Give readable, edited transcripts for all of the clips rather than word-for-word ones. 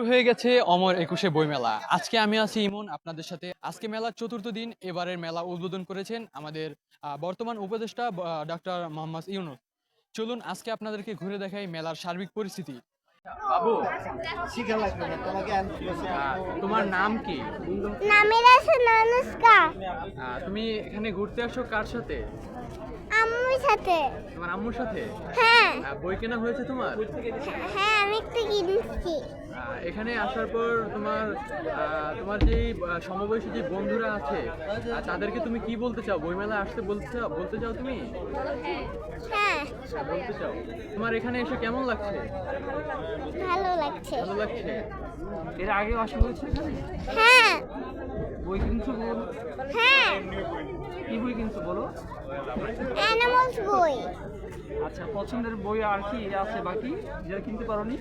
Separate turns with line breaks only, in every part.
হয়ে গেছে অমর একুশে বইমেলা। আজকে আমি আছি ইমন আপনাদের সাথে। আজকে মেলার চতুর্থ দিন। এবারের মেলা উদ্বোধন করেছেন আমাদের বর্তমান উপদেষ্টা ডক্টর মোহাম্মদ ইউনূস। চলুন আজকে আপনাদেরকে ঘুরে দেখাই মেলার সার্বিক পরিস্থিতি। বাবু, তোমার নাম কি?
নামের আছে নানুষ্কা।
তুমি এখানে ঘুরতে আসো কার সাথে?
আম্মুর সাথে।
তোমার আম্মুর সাথে?
হ্যাঁ
বই কেনা হয়েছে তোমার?
হ্যাঁ, আমি একটা কিনছি।
এখানে আসার পর তোমার তোমার যে সমবয়সী যে বন্ধুরা আছে তাদেরকে তুমি কি বলতে চাও? বইমেলা আসতে বলতে চাও তুমি?
হ্যাঁ,
বলতে চাও। তোমার এখানে এসে কেমন লাগছে?
ভালো লাগছে।
ভালো লাগছে। এর আগে আসা হয়েছে এখানে?
হ্যাঁ
বই কিনছো বলো?
হ্যাঁ,
কি বই কিনছো বলো?
অ্যানিমালস বই।
আচ্ছা, পছন্দের বই আর কি আছে বাকি যেটা কিনতে পারোনি?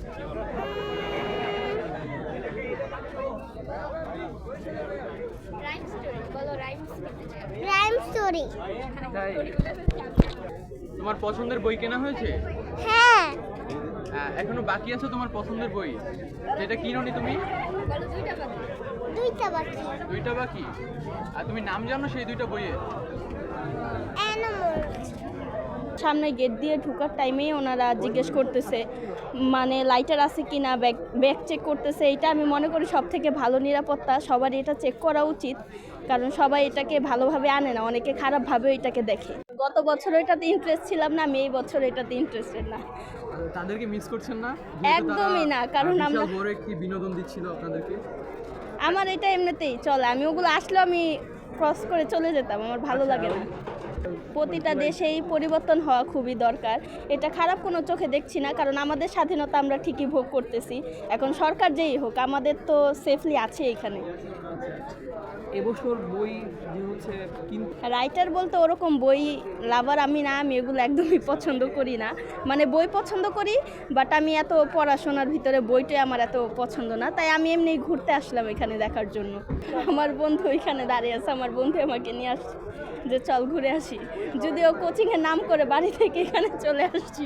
Rhyme story.
তাই? তোমার পছন্দের বই কেনা হয়েছে?
হ্যাঁ,
এখনো বাকি আছে তোমার পছন্দের বই যেটা কিনোনি তুমি?
দুইটা বাকি।
দুইটা বাকি? আর তুমি নাম জানো সেই দুইটা বইয়ের?
অ্যানিমালস।
সামনে গেট দিয়ে ঢোকার টাইমেই ওনারা জিজ্ঞেস করতেছে মানে লাইটার আছে কি না, ব্যাগ চেক করতেছে। এটা আমি মনে করি সব থেকে ভালো নিরাপত্তা, সবারই এটা চেক করা উচিত, কারণ সবাই এটাকে ভালোভাবে আনে না, অনেকে খারাপভাবেও এটাকে দেখে। গত বছর এটাতে ইন্টারেস্ট ছিলাম না, আমি এই বছর এটাতে ইন্টারেস্টেড না।
তাদেরকে মিস করছেন না?
একদমই না, কারণ আমরা
বড় একটি বিনোদন দিচ্ছিল আপনাদেরকে।
আমার এটা এমনিতেই চলে, আমি ওগুলো আসলেও আমি ক্রস করে চলে যেতাম, আমার ভালো লাগে না। প্রতিটা দেশেই পরিবর্তন হওয়া খুবই দরকার, এটা খারাপ কোনো চোখে দেখছি না, কারণ আমাদের স্বাধীনতা আমরা ঠিকই ভোগ করতেছি। এখন সরকার যেই হোক, আমাদের তো সেফলি আছে এখানে।
এবছর বই যে হচ্ছে
রাইটার বলতে ওরকম বই লাভার আমি না, আমি এগুলো একদমই পছন্দ করি না। মানে বই পছন্দ করি, বাট আমি এত পড়াশোনার ভিতরে বইটাই আমার এত পছন্দ না, তাই আমি এমনি ঘুরতে আসলাম এখানে দেখার জন্য। আমার বন্ধু এখানে দাঁড়িয়ে আছে, আমার বন্ধু আমাকে নিয়ে আসছে যে চল ঘুরে আসি, যদিও কোচিংয়ের নাম করে বাড়ি থেকে এখানে চলে আসছি।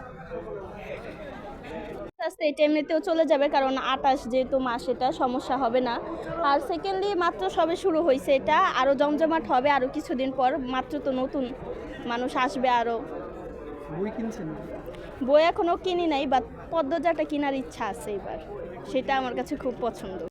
আস্তে এটা এমনিতেও চলে যাবে, কারণ 28 যেহেতু মাস, এটা সমস্যা হবে না। আর সেকেন্ডলি মাত্র সবে শুরু হয়েছে, এটা আরও জমজমাট হবে আরও কিছুদিন পর, মাত্র তো নতুন মানুষ আসবে আরও।
বই কিনছেন?
বই এখনও কিনি নাই, বা পদ্মজাটা কেনার ইচ্ছা আছে এবার, সেটা আমার কাছে খুব পছন্দ।